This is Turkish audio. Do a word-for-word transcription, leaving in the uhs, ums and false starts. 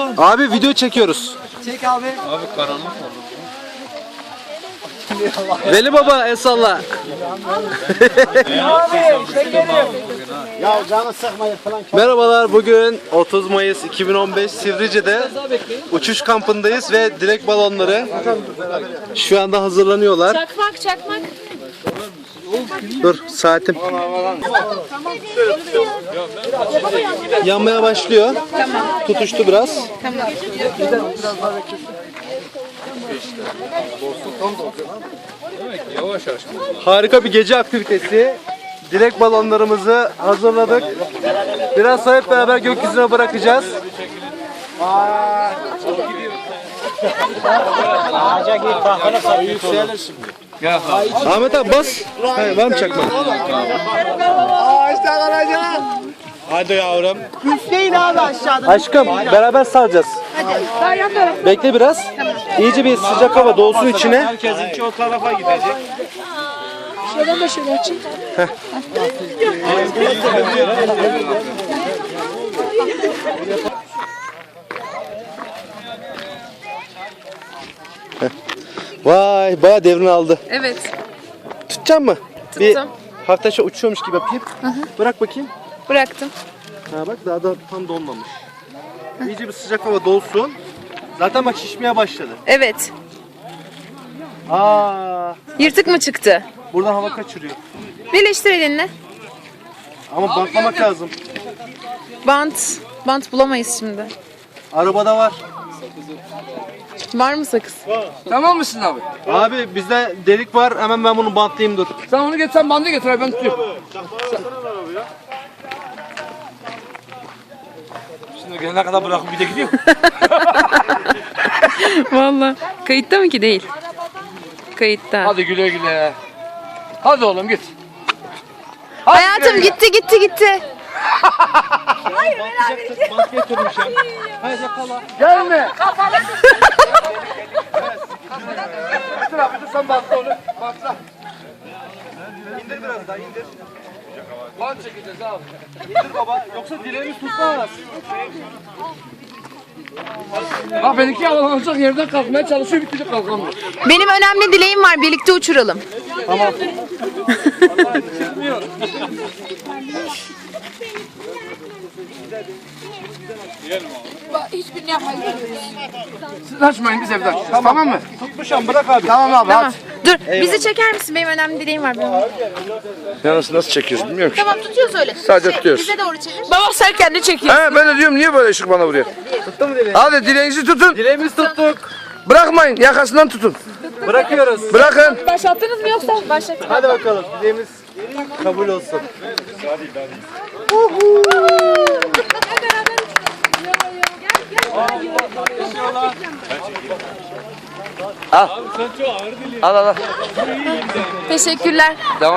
Abi video çekiyoruz. Çek abi. Abi karanlık oldu. Veli Baba el salla. Ya canı sıkmayın falan. Merhabalar, bugün otuz Mayıs iki bin on beş Sivrice'de uçuş kampındayız ve dilek balonları şu anda hazırlanıyorlar. Çakmak çakmak. Dur saatim. Yanmaya başlıyor. Tutuştu biraz. Yavaş yavaş. Harika bir gece aktivitesi. Dilek balonlarımızı hazırladık. Biraz sonra hep beraber gökyüzüne bırakacağız. Ağaca git bakana sarı yükselir şimdi. Gel abi. Ahmet abi bas. Hayır, var mı çakma? Ağaçta kalacak. Hadi yavrum. Üfleyin abi aşağıdan. Aşkım beraber saracağız. Bekle biraz. İyice bir sıcak hava dolsun içine. Herkesinki o tarafa gidecek. Şuradan da şöyle açayım. Vay, bayağı devrini aldı. Evet. Tutacak mı? Tuttum. Bir hafta şey uçuyormuş gibi yapayım. Bırak bakayım. Bıraktım. Ha bak, daha da tam donmamış. İyice bir sıcak hava dolsun. Zaten bak şişmeye başladı. Evet. Aa, Yırtık mı çıktı? buradan hava kaçırıyor. Birleştir elinle. Ama bantlamak lazım. Bant. Bant bulamayız şimdi. Arabada var. Var mı sakız? Tamam mısın abi? Abi bizde delik var. Hemen ben bunu bantlayayım, dur. Sen onu getir, sen bandı getir abi, ben tutuyorum. Şimdi gelene kadar bırakıp bir de gidiyor. Vallahi. Kayıtta mı ki? Değil. Kayıtta. Hadi güle güle. Hadi oğlum git. Hadi güle Hayatım güle. gitti gitti gitti. Bant getirmişim. Hayır yakala. Gelme. Dur abi, dur sen bantla onu. Bantla. İndir biraz daha, indir. Bant çekeceğiz abi. İndir baba. Yoksa dileğimiz tutmaz. Bak benimki yavalanacak, yerden kalkmaya çalışıyor, bitecek kalkamıyor. Benim önemli dileğim var. Birlikte uçuralım. Siz açmayın, biz evden. Tamam, mı? Tutmuşam, bırak abi. Tamam abi, Tamam. Dur. Bizi çeker misin? Benim önemli dileğim var. Benim. Ya nasıl, nasıl çekiyoruz bilmiyorum ki. Tamam, tutuyoruz öyle. Sadece tutuyoruz. Bize doğru çevir. Baba sen kendi çekiyorsun. He, ben de diyorum niye böyle ışık bana vuruyor? Tuttu mu dileği? Hadi dileğinizi tutun. Dileğimizi tuttuk. Bırakmayın, yakasından tutun. Bırakıyoruz. Bırakın. Başlattınız mı yoksa? Başlattım. Hadi bakalım. Dileğimiz kabul olsun. Al. Al al al. Teşekkürler. Devam.